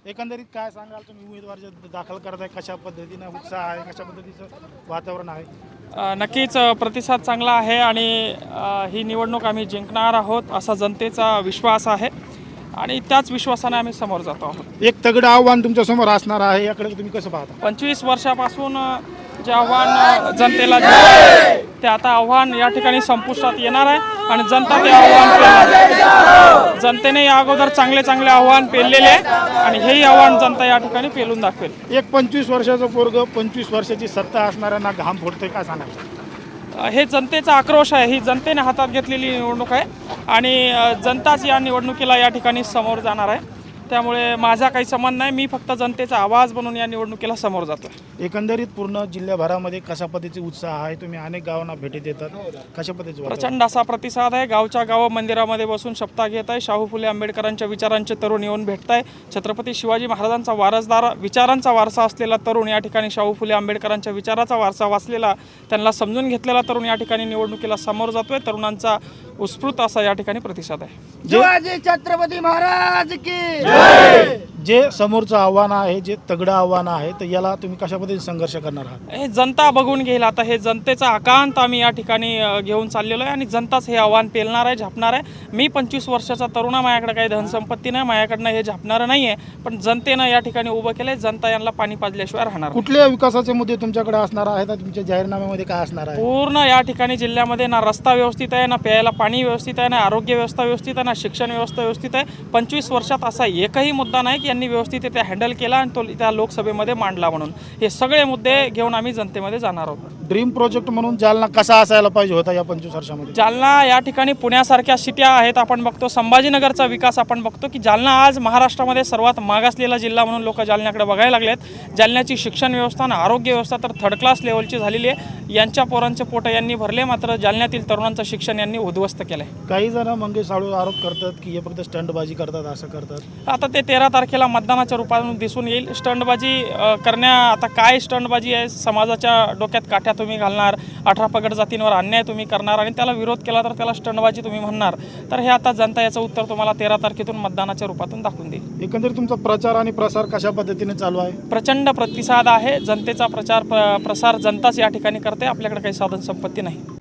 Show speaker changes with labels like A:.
A: एकंदरीत काय सांगाल तुम्ही उमेदवार जे दाखल करताय कशा पद्धतीने उत्साह आहे, कशा पद्धतीचं वातावरण आहे?
B: नक्कीच प्रतिसाद चांगला आहे आणि ही निवडणूक आम्ही जिंकणार आहोत असा जनतेचा विश्वास आहे आणि त्याच विश्वासाने आम्ही समोर जातो आहोत.
A: एक तगडं आव्हान तुमच्या समोर असणार आहे, याकडे तुम्ही कसं पाहता?
B: 25 वर्षापासून जे आव्हान जनतेला दिलं आहे, ते आता आव्हान या ठिकाणी संपुष्टात येणार आहे आणि जनता ते आव्हान पेलणार. जनतेने या अगोदर चांगले चांगले आव्हान पेललेले आहे आणि हेही आव्हान जनता या ठिकाणी पेलून दाखवेल.
A: एक 25 वर्षाचं पोरग 25 वर्षाची सत्ता असणाऱ्यांना घाम फोडतोय, काय सांगायचं?
B: हे जनतेचा आक्रोश आहे, ही जनतेने हातात घेतलेली निवडणूक आहे आणि जनताच या निवडणुकीला या ठिकाणी समोर जाणार आहे. त्यामुळे माझा काही संबंध नाही, मी फक्त जनतेचा आवाज बनून या निवडणुकीला समोर जातो.
A: एकंदरीत पूर्ण जिल्ह्याभरामध्ये कशा पद्धतीचे उत्साह आहे? तुम्ही अनेक गावांना भेटी देतात, कशा पद्धतीचे?
B: प्रचंड असा प्रतिसाद आहे. गावच्या गाव मंदिरामध्ये बसून सप्ताह घेत आहे. शाहू फुले आंबेडकरांच्या विचारांचे तरुण येऊन भेटत आहे. छत्रपती शिवाजी महाराजांचा वारसदार, विचारांचा वारसा असलेला तरुण या ठिकाणी शाहू फुले आंबेडकरांच्या विचाराचा वारसा वाचलेला, त्यांना समजून घेतलेला तरुण या ठिकाणी निवडणुकीला समोर जातोय. तरुणांचा उत्स्फूर्त असा या ठिकाणी प्रतिसाद आहे.
C: शिवाजी छत्रपती महाराज की
A: जे समोरचं आव्हान आहे, जे तगडं आव्हान आहे, तर याला तुम्ही कशा पद्धतीने संघर्ष करणार आहात?
B: हे जनता बघून घेईल. आता हे जनतेचा आकांत आम्ही या ठिकाणी घेऊन चाललेलो आहे आणि जनताच हे आव्हान पेलणार आहे, झापणार आहे. मी 25 वर्षाचा तरुण आहे, माझ्याकडे काही धनसंपत्ती नाही, माझ्याकडनं हे झापणारं नाही आहे, पण जनतेनं या ठिकाणी उभं केलं आहे. जनता यांना पाणी पाजल्याशिवाय राहणार.
A: कुठल्या विकासाचे मुद्दे तुमच्याकडे असणार आहेत? तुमच्या जाहीरनाम्यामध्ये काय असणार आहे?
B: पूर्ण या ठिकाणी जिल्ह्यामध्ये ना रस्ता व्यवस्थित आहे, ना प्यायला पाणी व्यवस्थित आहे, ना आरोग्य व्यवस्था व्यवस्थित आहे, ना शिक्षण व्यवस्था व्यवस्थित आहे. 25 वर्षात असा एकही मुद्दा नाही की यांनी व्यवस्थित ते हँडल केला आणि तो त्या लोकसभेमध्ये मांडला. म्हणून हे सगळे मुद्दे घेऊन आम्ही जनतेमध्ये जाणार आहोत.
A: ड्रीम प्रोजेक्ट म्हणून जालना कसा असायला पाहिजे होता या 25 वर्षामध्ये?
B: जालना या ठिकाणी पुण्यासारख्या सिट्या आहेत, आपण बघतो संभाजीनगरचा विकास आपण बघतो की जालना आज महाराष्ट्रामध्ये सर्वात मागासलेला जिल्हा म्हणून लोक जालन्याकडे बघायला लागलेत. जालन्याची शिक्षण व्यवस्था आणि आरोग्य व्यवस्था तर थर्ड क्लास लेवलची झालेली आहे. यांच्या पोरांचे पोटं यांनी भरले, मात्र जालन्यातील तरुणांचं शिक्षण यांनी उद्ध्वस्त केलं आहे.
A: काही जण मंगेश साळू आरोप करतात की हे फक्त स्टंटबाजी करतात, असं करतात.
B: आता ते 13 तारखेला मतदानाच्या रूपातून दिसून येईल. स्टंटबाजी आता काय स्टंटबाजी आहे? समाजाच्या डोक्यात काठ्या तुम्ही घालणार, 18 पगड जातींवर अन्याय तुम्ही करणार आणि त्याला विरोध केला तर त्याला स्टंटबाजी तुम्ही म्हणणार. तर हे आता जनता याचं उत्तर तुम्हाला 13 तारखेतून मतदानाच्या रूपातून दाखवून देईल.
A: एकंदरीत तुमचा प्रचार आणि प्रसार कशा पद्धतीने चालू आहे?
B: प्रचंड प्रतिसाद आहे. जनतेचा प्रचार प्रसार जनताच या ठिकाणी करते. आपल्याकडे काही साधन संपत्ती नाही.